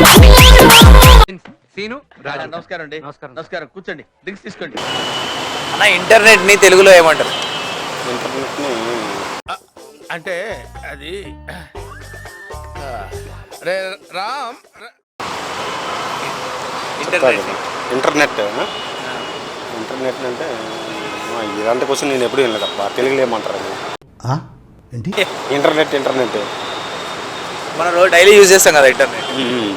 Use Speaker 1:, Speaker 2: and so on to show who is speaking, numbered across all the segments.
Speaker 1: నమస్కారం అండి. నమస్కారం, కూర్చోండి, డ్రింక్స్ తీసుకోండి.
Speaker 2: అన్న ఇంటర్నెట్ ని తెలుగులో ఏమంటారు?
Speaker 3: ఇంటర్నెట్ ని
Speaker 1: అంటే అది రే రామ్
Speaker 2: ఇంటర్నెట్
Speaker 3: ఇంటర్నెట్ ఇంటర్నెట్ అంటే ఇలాంటి క్వశ్చన్ నేను ఎప్పుడు వినలేదప్ప. తెలుగులో ఏమంటారు అది?
Speaker 4: ఏంటి
Speaker 3: ఇంటర్నెట్ ఇంటర్నెట్
Speaker 2: మనం రోజు డైలీ యూజ్ చేస్తాం కదా ఇంటర్నెట్.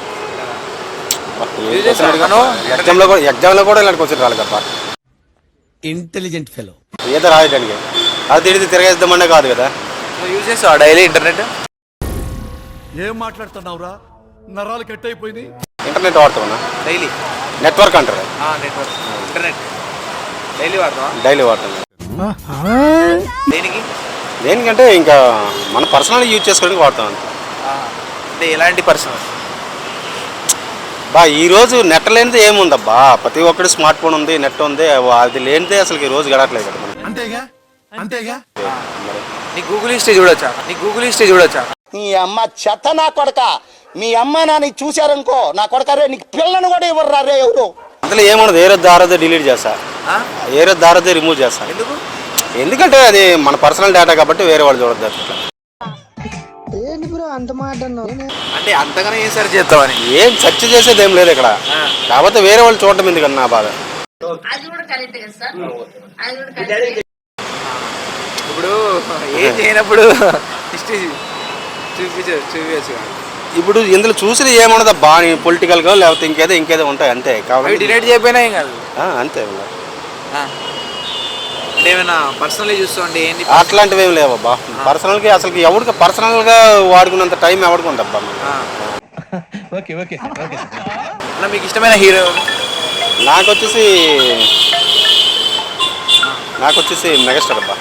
Speaker 3: ఎగ్జామ్లో కూడా ఇలాంటి క్వశ్చన్ రాలేదప్ప.
Speaker 4: ఇంటెలిజెంట్ ఫెలో
Speaker 3: ఏదో రాయడానికి అది తిరిగి తిరగేద్దామనే కాదు కదా.
Speaker 2: యూజ్ చేస్తావా డైలీ ఇంటర్నెట్?
Speaker 4: ఏం మాట్లాడుతున్నావురా, నరాలు కట్ అయిపోయింది.
Speaker 3: ఇంటర్నెట్ వాడతామన్నా
Speaker 2: డైలీ
Speaker 3: నెట్వర్క్ అంటారు.
Speaker 2: నెట్వర్క్ ఇంటర్నెట్ డైలీ వాడతావా?
Speaker 3: డైలీ వాడతాం.
Speaker 2: దేనికి?
Speaker 3: దేనికంటే ఇంకా మన పర్సనల్ యూజ్ చేసుకోవడానికి వాడతాం అంతే.
Speaker 2: అంటే ఎలాంటి పర్సనల్?
Speaker 3: ఈరోజు నెట్ లేనిదే ఏముందబ్బా. ప్రతి ఒక్కటి స్మార్ట్ ఫోన్ ఉంది, నెట్ ఉంది. అది లేనిదే అసలు ఈ రోజు గడట్లేదు కదా మనం.
Speaker 4: అంతేగా అంతేగా.
Speaker 2: నీ గూగుల్ హిస్టరీ చూడొచ్చా?
Speaker 5: నీ అమ్మ చెత్త నా కొడక. మీ అమ్మ నాని చూశారనుకో నా కొడక, రే నీకు పిల్లను కూడా ఇవ్వరు రే ఎవరు.
Speaker 3: అందులో ఏముండదు. ఏ రోజు దారదే డిలీట్ చేస్తా, ఏ రోజు దారదే రిమూవ్ చేస్తా. ఎందుకంటే అది మన పర్సనల్ డేటా కాబట్టి వేరే వాళ్ళు చూడద్దు. అట్లా
Speaker 2: అంటే అంతగానే ఏం సెర్చ్ చేస్తావని?
Speaker 3: ఏం సెర్చ్ చేసేది ఏం లేదు ఇక్కడ. కాకపోతే వేరే వాళ్ళు చూడటం ఎందుకన్నా నా బాధ.
Speaker 2: ఇప్పుడు ఏం చేయనప్పుడు హిస్టరీ చూపించచ్చు.
Speaker 3: ఇప్పుడు ఇందులో చూసిన ఏమున్నదబ్బా, పొలిటికల్ గా లేకపోతే ఇంకేదో ఉంటాయి అంతే.
Speaker 2: కాబట్టి డిలీట్ చేయకపోయినా ఏం కాదు
Speaker 3: అంతే.
Speaker 2: అంటే ఏమైనా పర్సనల్లీ చూస్తాండి ఏంటి?
Speaker 3: అట్లాంటివి ఏమి లేవబ్బా. పర్సనల్ గా అసలు ఎవరికి పర్సనల్ గా వాడుకున్నంత టైం ఎవరికి ఉందబ్బా.
Speaker 2: అలా మీకు ఇష్టమైన హీరో?
Speaker 3: నాకు వచ్చేసి మెగాస్టార్ అబ్బా.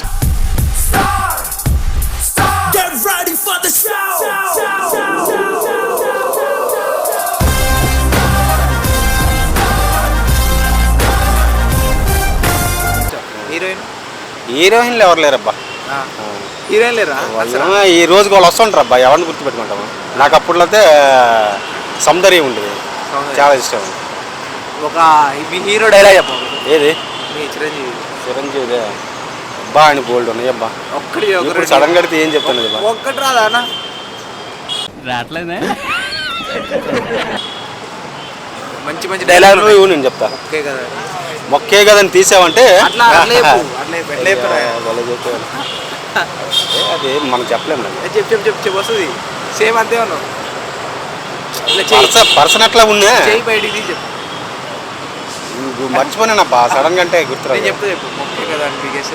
Speaker 3: హీరోయిన్లు ఎవరు లేరబ్బా.
Speaker 2: హీరోయిన్ లేరా?
Speaker 3: ఈ రోజుకి వాళ్ళు వస్తుంటారు అబ్బా. ఎవరిని గుర్తుపెట్టుకుంటాము. నాకు అప్పట్లో అయితే సౌందర్యం ఉండేది, చాలా ఇష్టం.
Speaker 2: ఒక హీరో డైలాగ్ చెప్పండి.
Speaker 3: ఏది?
Speaker 2: చిరంజీవి
Speaker 3: అబ్బా ఆయన బోల్డ్ ఉన్నాయి అబ్బా.
Speaker 2: ఒక్కటి
Speaker 3: సడన్ కడితే ఏం చెప్తాను
Speaker 2: ఒక్కటి రాదా అన్న?
Speaker 4: రావట్లేదే.
Speaker 2: మంచి డైలాగ్
Speaker 3: నేను చెప్తా.
Speaker 2: ఓకే కదా,
Speaker 3: మొక్కే కదని తీసావంటే
Speaker 2: అది
Speaker 3: మనం చెప్పలేము.
Speaker 2: చెప్పు వస్తుంది సేమ్ అంతే ఉన్నావు.
Speaker 3: పర్సన్ అట్లా ఉన్నా
Speaker 2: చేయి బయటికి తీసి చెప్పు.
Speaker 3: మర్చిపోయినానబ్బా సడన్ గా అంటే గుర్తురా.
Speaker 2: చెప్తే చెప్పు మొక్కే కదా అని పీకేస్తే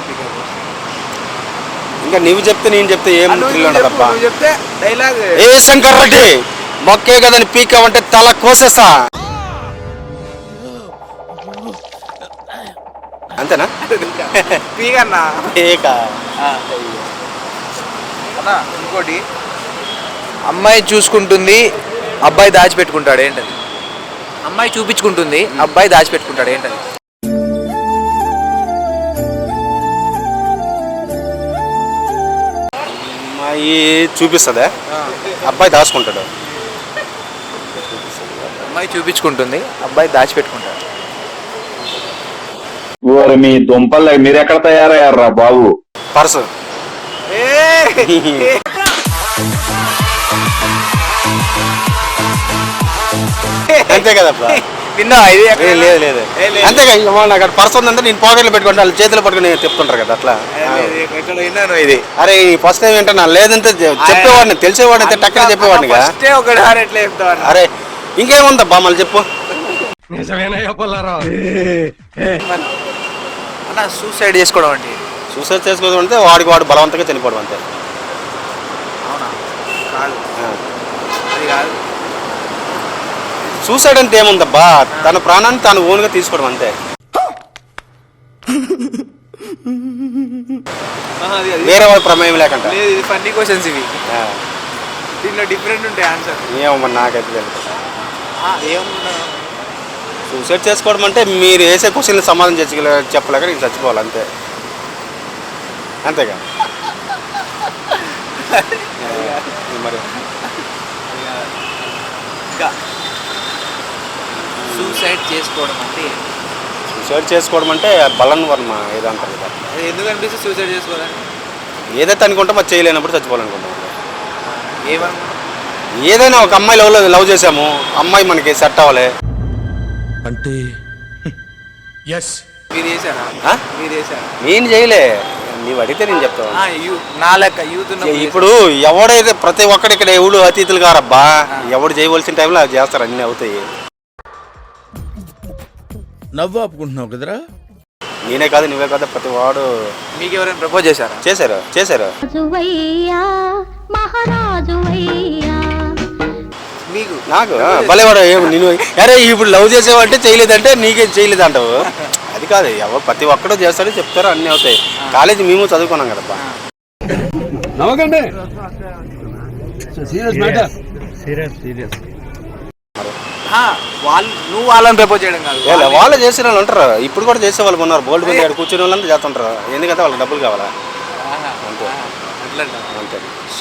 Speaker 3: ఇంకా నువ్వు చెప్తే నేను చెప్తే ఏం ఉండదబ్బా.
Speaker 2: చెప్తే డైలాగ్
Speaker 3: ఏ శంకర్ రెడ్డి మొక్కే కదని పీకావంటే తల కోసేసా అంతేనా?
Speaker 2: పీకన్నా ఇంకోటి, అమ్మాయి చూసుకుంటుంది అబ్బాయి దాచిపెట్టుకుంటాడు ఏంటది? అమ్మాయి చూపించుకుంటుంది అబ్బాయి దాచిపెట్టుకుంటాడు ఏంటది?
Speaker 3: అమ్మాయి చూపిస్తుందా, అబ్బాయి దాచుకుంటాడు?
Speaker 2: అమ్మాయి చూపించుకుంటుంది అబ్బాయి దాచిపెట్టుకుంటాడు.
Speaker 6: మీ దుంపల్ మీరు ఎక్కడ తయారయ్యారా బాబు?
Speaker 3: పర్సు. అంతే కదబ్బా.
Speaker 2: విన్నా?
Speaker 3: లేదు అంతేగా. నాకు అక్కడ పర్సు ఉందంటే నేను పాకెట్లో పెట్టుకుంటా, వాళ్ళు చేతిలో పట్టుకుని చెప్తుంటారు కదా అట్లా.
Speaker 2: విన్నాను ఇది.
Speaker 3: అరే ఫస్ట్ టైం ఏంటన్నా లేదంటే చెప్పేవాడిని, తెలిసేవాడిని అయితే టక్కన చెప్పేవాడిని. అరే ఇంకేముందబ్బా మళ్ళీ చెప్పు.
Speaker 2: అన్న సూసైడ్ చేసుకోవడం అంటే?
Speaker 3: సూసైడ్ చేసుకోవడం అంటే వాడు బలవంతంగా చనిపోవడం అంతే.
Speaker 2: అవునా? కాదు, అది కాదు.
Speaker 3: సూసైడ్ అంటే ఏముందబ్బా, తన ప్రాణాన్ని తాను ఓన్గా తీసుకోవడం అంతే. వేరే వాళ్ళ ప్రమేయం లేకుండా.
Speaker 2: ఫన్నీ క్వశ్చన్స్ ఇవి. దీంట్లో డిఫరెంట్ ఉంటాయి ఆన్సర్.
Speaker 3: ఏమో నాకైతే తెలుసు. సూసైడ్ చేసుకోవడం అంటే మీరు వేసే క్వశ్చన్ సమాధానం చెప్పలేక నేను చచ్చిపోవాలి అంతే. అంతేగా మరి.
Speaker 2: సూసైడ్ చేసుకోవడం అంటే ఏంటి?
Speaker 3: సూసైడ్ చేసుకోవడం అంటే బలన్ వర్మ ఏదో అంటారు కదా.
Speaker 2: అది ఎందుకు అనిపిస్తుంది సూసైడ్ చేసుకోవాలని?
Speaker 3: ఏదైతే అనుకుంటాం అది చేయలేనప్పుడు చచ్చిపోవాలనుకుంటాం.
Speaker 2: ఏమనుకుంటున్నారు?
Speaker 3: ఏదైనా ఒక అమ్మాయి లవ్ చేసాము, అమ్మాయి మనకి సెట్ అవ్వాలి.
Speaker 4: అంటే ఎస్
Speaker 2: మీరు చేశారా?
Speaker 3: ఆ?
Speaker 2: మీరు చేశారా?
Speaker 3: నేను చేయలే, నీవు అడిగితే నేను చెప్తాను.
Speaker 2: నా లెక్క యూత్
Speaker 3: ఇప్పుడు ఎవడైతే ప్రతి ఒక్కడి ఇక్కడ ఎవడు అతిథులు కారబ్బా, ఎవడు చేయవలసిన టైంలో అవి చేస్తారు, అన్నీ అవుతాయి.
Speaker 4: నవ్వు ఆపుకుంటున్నావు కదరా.
Speaker 3: నేనే కాదు నువ్వే కాదు ప్రతి వాడు.
Speaker 2: మీకు ఎవరైనా ప్రపోజ్ చేశారా?
Speaker 3: చేశారు.
Speaker 2: మీకు
Speaker 3: నాకు భలేవాడు నేను అరే ఇప్పుడు లవ్ చేసేవంటే చేయలేదంటే నీకేం చేయలేదు అంటావు. అది కాదు, ఎవరు ప్రతి ఒక్కడో చేస్తారో చెప్తారో అన్నీ అవుతాయి. కాలేజీ మేము చదువుకున్నాం కదబ్బా.
Speaker 2: నువ్వు వాళ్ళని ప్రపోజ్ చేయడం కాదు,
Speaker 3: వాళ్ళు చేసిన వాళ్ళు ఉంటారు, ఇప్పుడు కూడా చేసే వాళ్ళు ఉన్నారు. బోల్డ్ మంది అక్కడ కూర్చునే వాళ్ళంతా చేస్తుంటారు. ఎందుకంటే వాళ్ళకి డబ్బులు కావాలా, అంతే అంతే.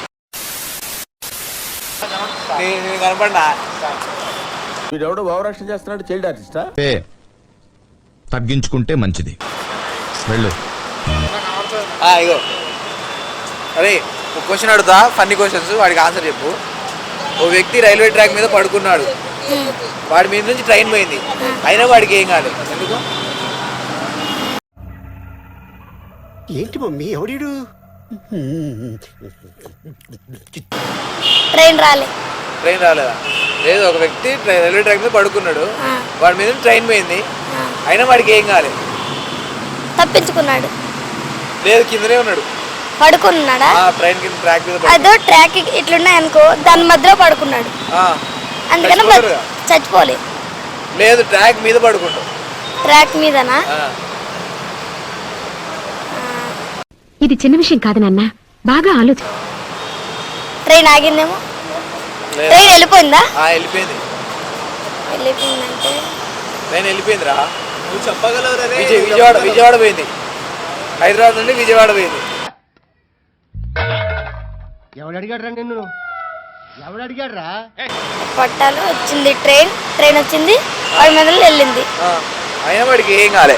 Speaker 2: నేను కనపడినా
Speaker 4: వీడెవడో భావరక్షణ చేస్తున్నాడు, చైల్డ్ ఆర్టిస్టా.
Speaker 7: తగ్గించుకుంటే మంచిది. వెళ్ళు.
Speaker 2: ఇగో అరే ఒక క్వశ్చన్ అడుగుతా, ఫన్నీ క్వశ్చన్స్, వాడికి ఆన్సర్ చెప్పు. ఓ వ్యక్తి రైల్వే ట్రాక్ మీద పడుకున్నాడు, వాడి మీద నుంచి ట్రైన్ పోయింది, అయినా వాడికి ఏం కాలేదు, ఎందుకు?
Speaker 5: ఏంటి మమ్మీ ఎవడీడు?
Speaker 8: ట్రైన్
Speaker 2: రాలేదా? లేదు, ఒక వ్యక్తి రైల్వే ట్రాక్ మీద పడుకున్నాడు, వాడి మీద ట్రైన్ పోయింది, అయినా వాడికి ఏం కాలేదు,
Speaker 8: తప్పించుకున్నాడు.
Speaker 2: లేదు కిందనే ఉన్నాడు,
Speaker 8: పడుకున్నాడా?
Speaker 2: ట్రైన్ కింద ట్రాక్ మీద
Speaker 8: అదో ట్రాక్ ఇట్లున్నాయి అనుకో, దాని మధ్యలో పడుకున్నాడు, అందుకని చచ్చిపోలే.
Speaker 2: లేదు ట్రాక్ మీద పడుకుంటాడు.
Speaker 8: ట్రాక్ మీదనా?
Speaker 9: ఇది చిన్న విషయం కాదు నాన్న, బాగా ఆలోచన.
Speaker 8: ట్రైన్ ఆగిందేమో. ట్రైన్ వెళ్ళిపోయిందా?
Speaker 2: వెళ్ళిపోయింది.
Speaker 8: వెళ్ళిపోయిందంటే
Speaker 2: ట్రైన్ వెళ్ళిపోయిందిరా, నువ్వు చెప్పగలవురా. విజయవాడ పోయింది, హైదరాబాద్ నుండి విజయవాడ పోయింది.
Speaker 8: పట్టాలు వచ్చింది, ట్రైన్ వచ్చింది, వాడి మీద వెళ్ళింది,
Speaker 2: అయినా వాడికి ఏం కాలే.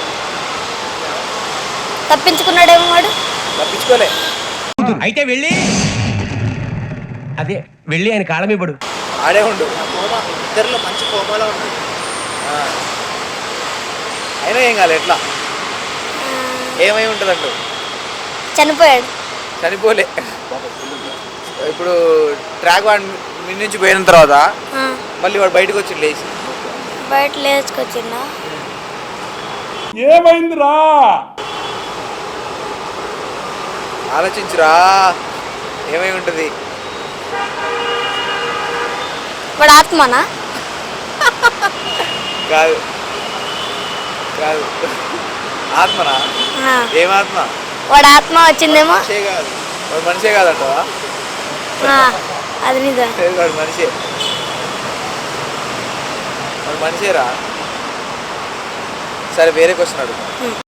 Speaker 8: తప్పించుకున్నాడేమో వాడు.
Speaker 2: తప్పించుకోలే.
Speaker 10: అయితే వెళ్ళి ఆయన కాళ్ళ పడు,
Speaker 2: ఆడే ఉండు. ఇద్దరిలో మంచి కోమాలో ఉంటుంది, అయినా ఏం కాలే. ఎట్లా ఏమై ఉంటుంది అంటూ? చనిపోలే. ఇప్పుడు ట్రాక్ వాడి మీ నుంచి పోయిన తర్వాత మళ్ళీ వాడు బయటకు వచ్చి
Speaker 8: లేచుకొచ్చిందా?
Speaker 6: ఏమైందిరా?
Speaker 2: ఆలోచించురా, ఏమై ఉంటుంది?
Speaker 8: వాడు ఆత్మనా?
Speaker 2: కాదు ఆత్మనా? ఏమాత్మ?
Speaker 8: వాడు ఆత్మ వచ్చిందేమో.
Speaker 2: కాదు, వాడు మనిషే కాదంటావా?
Speaker 8: అది నిజం.
Speaker 2: వాడు మనిషేరా. సరే వేరే క్వశ్చన్ అడుగు.